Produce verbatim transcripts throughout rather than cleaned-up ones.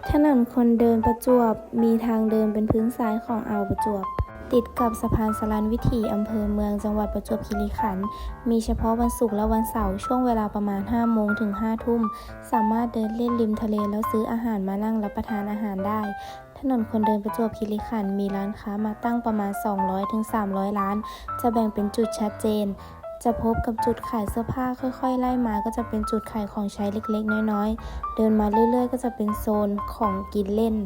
ถนนคนเดินประจวบมีทางเดินเป็นพื้นทรายของอ่าวประจวบติดกับสะพานสลันวิถีอำเภอเมืองจังหวัดประจวบคีรีขันธ์มีเฉพาะวันศุกร์และวันเสาร์ช่วงเวลาประมาณห้าโมงถึงห้าทุ่มสามารถเดินเล่นริมทะเลแล้วซื้ออาหารมานั่งรับประทานอาหารได้ถนนคนเดินประจวบคีรีขันธ์มีร้านค้ามาตั้งประมาณสองร้อยถึงสามร้อยร้านจะแบ่งเป็นจุดชัดเจนจะพบกับจุดขายเสื้อผ้าค่อยๆไล่มาก็จะเป็นจุดขายของใช้เล็กๆน้อยๆเดินมาเรื่อยๆก็จะเป็นโซนของกินเล่น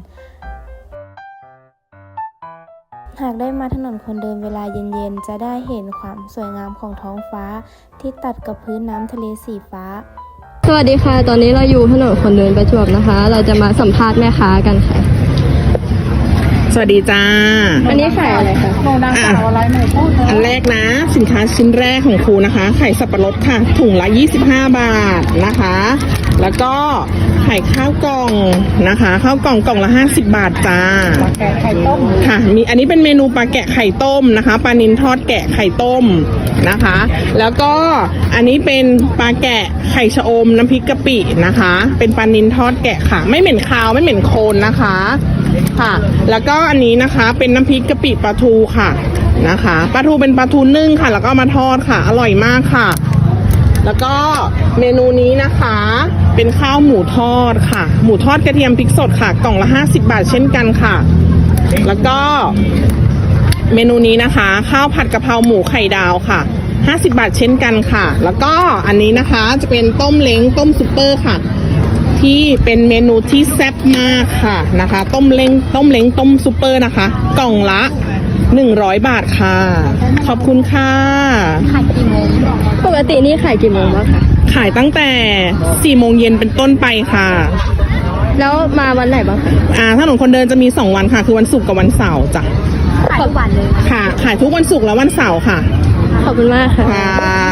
หากได้มาถนนคนเดินเวลาเย็นๆจะได้เห็นความสวยงามของท้องฟ้าที่ตัดกับพื้นน้ำทะเลสีฟ้าสวัสดีค่ะตอนนี้เราอยู่ถนนคนเดินประจวบนะคะเราจะมาสัมภาษณ์แม่ค้ากันค่ะสวัสดีจ้าอันนี้ขายอะไรคะโมดังสาวอะไรหน่อยพูดอันแรกนะสินค้าชิ้นแรกของครูนะคะไข่สับปะรดค่ะถุงละยี่สิบห้าบาทนะคะแล้วก็ไข่ข้าวกล่องนะคะข้าวกล่องกล่องละห้าสิบบาทจ้าปลาแกะไข่ต้มค่ะมีอันนี้เป็นเมนูปลาแกะไข่ต้มนะคะปลานิลทอดแกะไข่ต้มนะคะแล้วก็อันนี้เป็นปลาแกะไข่ชะอมน้ำพริกกะปินะคะเป็นปลานิลทอดแกะค่ะไม่เหม็นคาวไม่เหม็นโคลนนะคะค่ะแล้วก็อันนี้นะคะเป็นน้ำพริกกะปิปลาทูค่ะนะคะปลาทูเป็นปลาทูนึ่งค่ะแล้วก็มาทอดค่ะอร่อยมากค่ะแล้วก็เมนูนี้นะคะเป็นข้าวหมูทอดค่ะหมูทอดกระเทียมพริกสดค่ะกล่องละห้าสิบบาทเช่นกันค่ะแล้วก็เมนูนี้นะคะข้าวผัดกะเพราหมูไข่ดาวค่ะห้าสิบบาทเช่นกันค่ะแล้วก็อันนี้นะคะจะเป็นต้มเล้งต้มซุปเปอร์ค่ะที่เป็นเมนูที่แซ่บมากค่ะนะคะต้มเล้งต้มเล้งต้มซุปเปอร์นะคะกล่องละหนึ่งร้อยบาทค่ะขอบคุณค่ะขายกี่โมงปกตินี่ขายกี่โมงบ้างคะขายตั้งแต่สี่โมงเย็นเป็นต้นไปค่ะแล้วมาวันไหนบ้างคะอ่าถนนคนเดินจะมีสองวันค่ะคือวันศุกร์กับวันเสาร์จ้ะขายทุกวันเลยค่ะขายทุกวันศุกร์และวันเสาร์ค่ะขอบคุณมากค่ะค่ะ